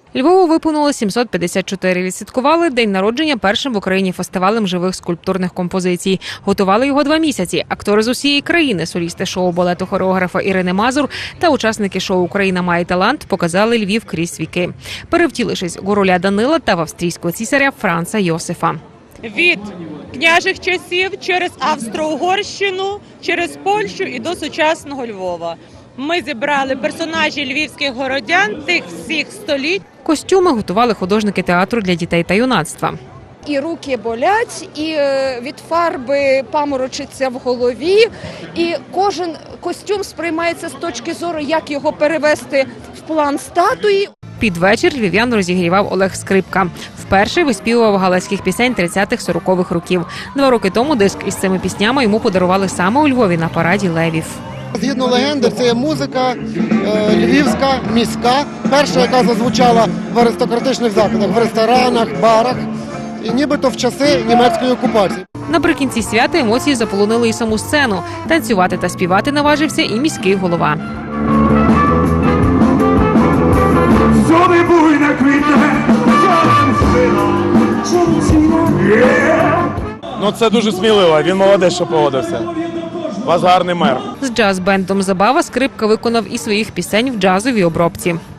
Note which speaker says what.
Speaker 1: Львову виповнило 754. Відсвяткували день народження першим в Україні фестивалем живих скульптурних композицій. Готували його 2 місяці. Актори з усієї країни, солісти шоу балету хореографа Ірини Мазур та учасники шоу «Україна має талант» показали Львів крізь віки, перевтілившись у роля Данила та в австрійського цісаря Франца Йосифа.
Speaker 2: Від княжих часів через Австро-Угорщину, через Польщу і до сучасного Львова. Ми зібрали персонажі львівських городян тих всіх століть.
Speaker 1: Костюми готували художники театру для дітей та юнацтва.
Speaker 3: І руки болять, і від фарби паморочиться в голові, і кожен костюм сприймається з точки зору, як його перевести в план статуї.
Speaker 1: Під вечір львів'ян розігрівав Олег Скрипка. Вперше виспівував галицьких пісень 30-х-40-х років. 2 роки тому диск із цими піснями йому подарували саме у Львові на параді левів.
Speaker 4: Згідно легенди, це є музика львівська, міська, перша, яка зазвучала в аристократичних закладах, в ресторанах, барах, і нібито в часи німецької окупації.
Speaker 1: Наприкінці свята емоції заполонили і саму сцену. Танцювати та співати наважився і міський голова.
Speaker 5: Зови буйна квітне,
Speaker 6: Ну це дуже сміливо, він молодець, що погодився. У вас гарний мер.
Speaker 1: З джаз-бендом «Забава» Скрипка виконав і своїх пісень в джазовій обробці.